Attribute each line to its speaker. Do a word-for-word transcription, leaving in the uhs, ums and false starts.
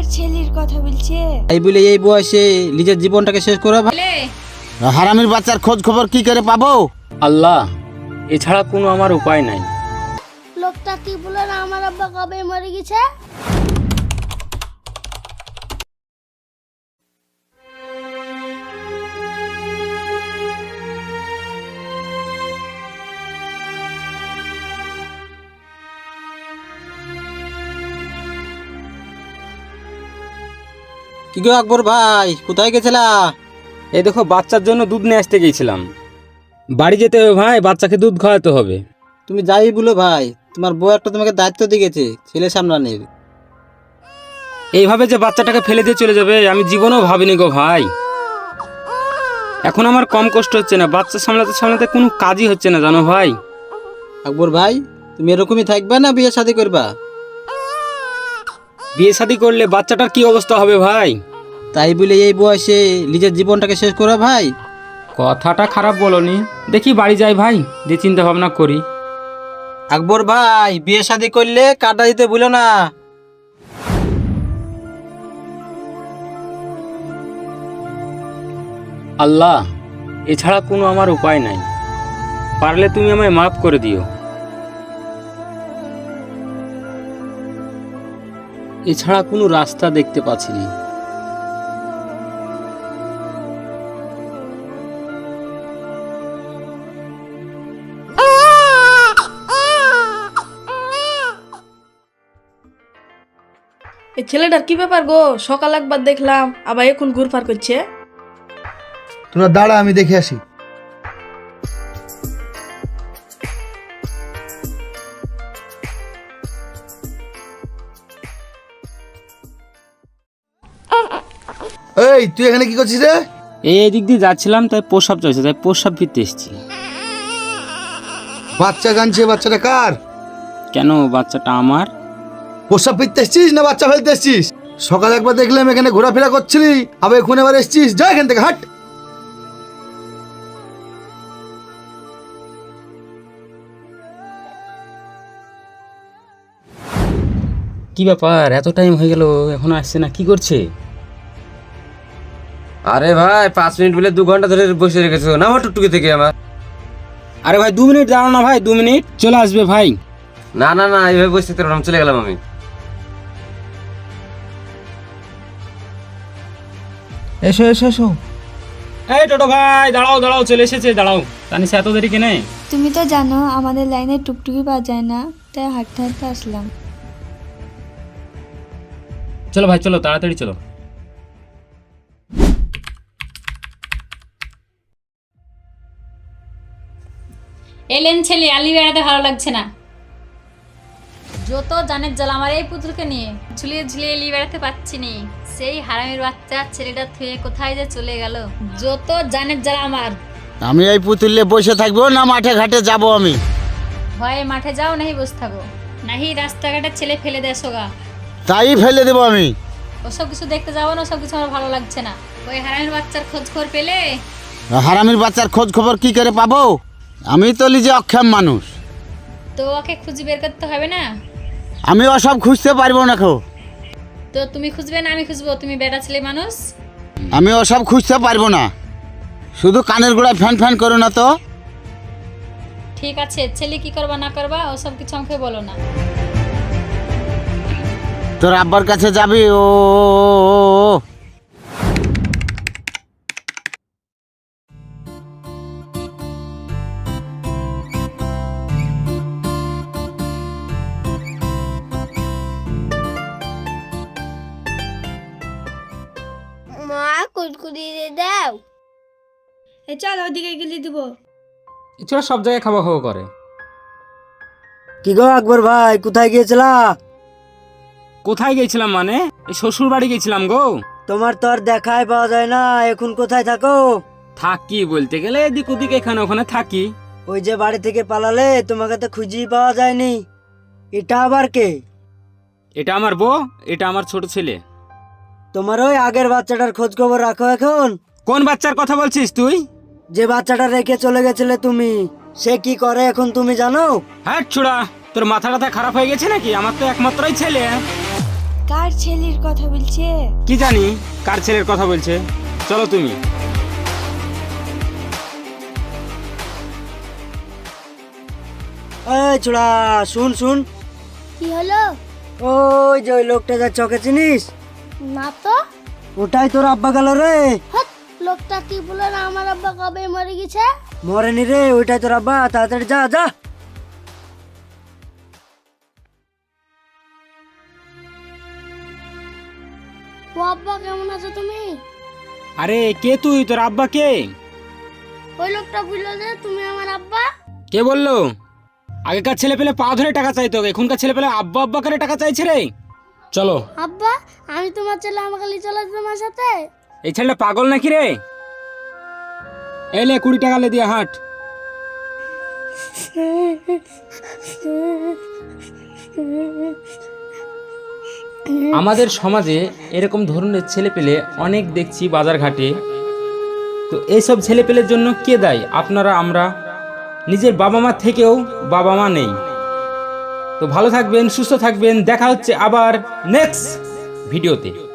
Speaker 1: কার ছেলের কথা বলছে?
Speaker 2: এই বলে এই বয়সে নিজের জীবনটাকে শেষ করা ভাই।
Speaker 3: হারামির বাচ্চার খোঁজ খবর কি করে পাবো?
Speaker 4: আল্লাহ, এছাড়া কোনো আমার উপায় নাই।
Speaker 1: লোকটা কি বলে না আমার আব্বা কবে মরে গেছে?
Speaker 2: কি গো আকবর ভাই, কোথায় গেছিলা?
Speaker 4: এই দেখো, বাচ্চার জন্য দুধ নিয়ে আসতে গিয়েছিলাম। বাড়ি যেতে হবে ভাই, বাচ্চাকে দুধ খাওয়াতে হবে।
Speaker 2: তুমি যাই বলো ভাই, তোমার বউ একটা তোমাকে দায়িত্ব দিয়ে গেছে ছেলে সামলানোর।
Speaker 4: এইভাবে যে বাচ্চাটাকে ফেলে দিয়ে চলে যাবে আমি জীবনেও ভাবিনি গো ভাই। এখন আমার কম কষ্ট হচ্ছে না, বাচ্চা সামলাতে সামলাতে কোনো কাজই হচ্ছে না জানো ভাই।
Speaker 2: আকবর ভাই, তুমি এরকমই থাকবে না বিয়ে শাদী করবা?
Speaker 4: বিয়ে শাদী করলে বাচ্চাটার কি অবস্থা হবে ভাই?
Speaker 2: তাই বলে এই বয়সে নিজের জীবনটাকে শেষ করা ভাই?
Speaker 4: কথাটা খারাপ বলনি, দেখি বাড়ি যাই ভাই, যে চিন্তা ভাবনা করি।
Speaker 2: আকবর ভাই, বিয়ে শাদী করলে কাটা দিতে ভুলো না।
Speaker 4: আল্লাহ, এছাড়া কোনো আমার উপায় নাই, পারলে তুমি আমায় মাফ করে দিও। এছাড়া কোনো রাস্তা দেখতে পাচ্ছি না।
Speaker 5: এই ছেলেটার কি ব্যাপার গো? সকাল একবার দেখলাম, আবার এখন ঘুরপার করছে।
Speaker 3: তোমরা দাঁড়া, আমি দেখে আসি। এই তুই এখানে কি করছিস রে?
Speaker 4: এই দিক দিয়ে যাচ্ছিলাম, তাই প্রসাব চলছে, তাই প্রসাব ফিরতে এসেছি।
Speaker 3: বাচ্চা কাঁদছে, বাচ্চাটা কার?
Speaker 4: কেন, বাচ্চাটা আমার।
Speaker 3: প্রসাব ফিরতে এসছিস না বাচ্চা ফেলতে এসছিস? সকালে একবার দেখলাম এখানে ঘোরাফেরা করছিলি, আবার এখন এবার এসছিস। যা এখান থেকে, হাট।
Speaker 4: কি ব্যাপার, এত টাইম হয়ে গেল এখনো আসছে না, কি করছে?
Speaker 6: আরে ভাই, পাঁচ মিনিট বলে দু ঘন্টা ধরে বসে রেখেছো না আমার টুকটুকি থেকে আমার।
Speaker 4: আরে ভাই দু মিনিট দাঁড়াও না ভাই, দু মিনিট চলে আসবে ভাই।
Speaker 6: না না না, এইভাবে বসে থাকতে পারবো না, চলে গেলাম আমি।
Speaker 3: এসো এসো এসো।
Speaker 4: এই টোটো ভাই, দাঁড়াও দাঁড়াও, চলে এসেছে, দাঁড়াও। তানিশা, এত দেরি কেনে?
Speaker 1: তুমি তো জানো আমাদের লাইনে টুকটুকি পাওয়া যায় না, তাই হাঁটতে হাঁটতে আসলাম।
Speaker 4: চলো ভাই, চলো তাড়াতাড়ি চলো।
Speaker 7: এলেন ছেলে, আলি বেড়াতে ভালো লাগছে না। যত জানের জ্বালা আমার এই পুতুলকে নিয়ে, ঝুলিয়ে ঝুলিয়ে এলি বেড়াতে পাচ্ছি নি। সেই হারামির বাচ্চা ছেলেটা থুয়ে কোথায় যে চলে গেল। যত জানের জ্বালা আমার।
Speaker 3: আমি এই পুতুলে বসে থাকবো না মাঠে ঘাটে যাব আমি?
Speaker 7: ভয়ে মাঠে যাও, নাহি বসে থাকো, নাহি রাস্তাঘাটের ছেলে ফেলে দেয় সোগা।
Speaker 3: তাই ফেলে দেবো আমি।
Speaker 7: ওসব কিছু দেখতে যাবো না, ওসব কিছু আমার ভালো লাগছে না। ওই হারামির বাচ্চার খোঁজ খবর পেলে?
Speaker 3: হারামির বাচ্চার খোঁজ খবর কি করে পাবো? আমি তো নিজে অক্ষম মানুষ।
Speaker 7: তো ওকে খুঁজে বের করতে হবে না?
Speaker 3: আমি ওসব খুঁজতে পারবো না খো।
Speaker 7: তো তুমি খুঁজবে না আমি খুঁজবো? তুমি বেটা ছেলে মানুষ।
Speaker 3: আমি ওসব খুঁজতে পারবো না। শুধু কানের গোড়ায় ফ্যান ফ্যান করো না তো।
Speaker 7: ঠিক আছে, ছেলে কি করবা না করবা ওসব কিছু আমাকে বলো না।
Speaker 3: তোর আব্বার কাছে যাবি? ও
Speaker 1: মা কুড়কুড়ি দাও।
Speaker 5: এই চল ওইদিকে গেলে দিব।
Speaker 4: এছাড়া সব জায়গায় খাওয়া খাওয়া করে।
Speaker 2: কি গো আকবর ভাই, কোথায় গিয়েছিলা?
Speaker 4: কোথায় গেছিলাম মানে, এই শ্বশুর বাড়ি গেছিলাম গো।
Speaker 2: তোমার তো আর দেখাই পাওয়া যায় না, এখন কোথায় থাকো?
Speaker 4: থাকি বলতে গেলে এদিক ওদিক এখানে ওখানে থাকি।
Speaker 2: ওই যে বাড়ি থেকে পালালে তোমাকে তো খুঁজেই পাওয়া যায়নি। এটা আবার কে?
Speaker 4: এটা আমার বউ, এটা আমার ছোট ছেলে।
Speaker 2: তোমার ওই আগের বাচ্চাটার খোঁজ খবর রাখো এখন?
Speaker 4: কোন বাচ্চার কথা বলছিস তুই?
Speaker 2: যে বাচ্চাটা রেখে চলে গেছিলে তুমি, সে কি করে এখন তুমি জানো?
Speaker 4: হ্যাঁ ছোড়া, তোর মাথা টাথা খারাপ হয়ে গেছে নাকি? আমার তো একমাত্রই ছেলে।
Speaker 1: কার ছেলের কথা বলছে?
Speaker 4: কি জানি কার ছেলের কথা বলছে, চলো তুমি।
Speaker 2: এই ছোড়া, শুন শুন।
Speaker 8: কি হলো?
Speaker 2: ওই যে ওই লোকটা যা চকে চিনিস,
Speaker 8: না তো।
Speaker 2: ওটাই তোর আব্বা গেল রে।
Speaker 8: হাট, লোকটা কি বলে না আমার আব্বা কবে মরে গেছে?
Speaker 2: মরেনি রে, ওইটাই তোর আব্বা। তাড়াতাড়ি যা যা।
Speaker 8: ও আব্বা কেমন আছো তুমি?
Speaker 4: আরে কে তুই? তোর আব্বা কে?
Speaker 8: ওই লোকটা বললো যে তুমি আমার আব্বা।
Speaker 4: কে বললো? আগেকার ছেলে পেলে পা ধরে টাকা চাইতো, এখনকার ছেলে পেলে আব্বা আব্বা করে টাকা চাইছে রে। চলো।
Speaker 8: আব্বা, আমি তোমার ছেলে, আমাকে নিয়ে চলো তোমার সাথে।
Speaker 4: এই ছেলেটা পাগল নাকি রে? এলে কুড়ি টাকা লে দিয়ে হাট। আমাদের সমাজে এরকম ধরনের ছেলেপেলে অনেক দেখছি বাজার ঘাটে। তো এইসব ছেলেপেলের জন্য কে দায়ী? আপনারা, আমরা। নিজের বাবা মা থেকেও বাবা মা নেই। তো ভালো থাকবেন, সুস্থ থাকবেন, দেখা হচ্ছে আবার নেক্সট ভিডিওতে।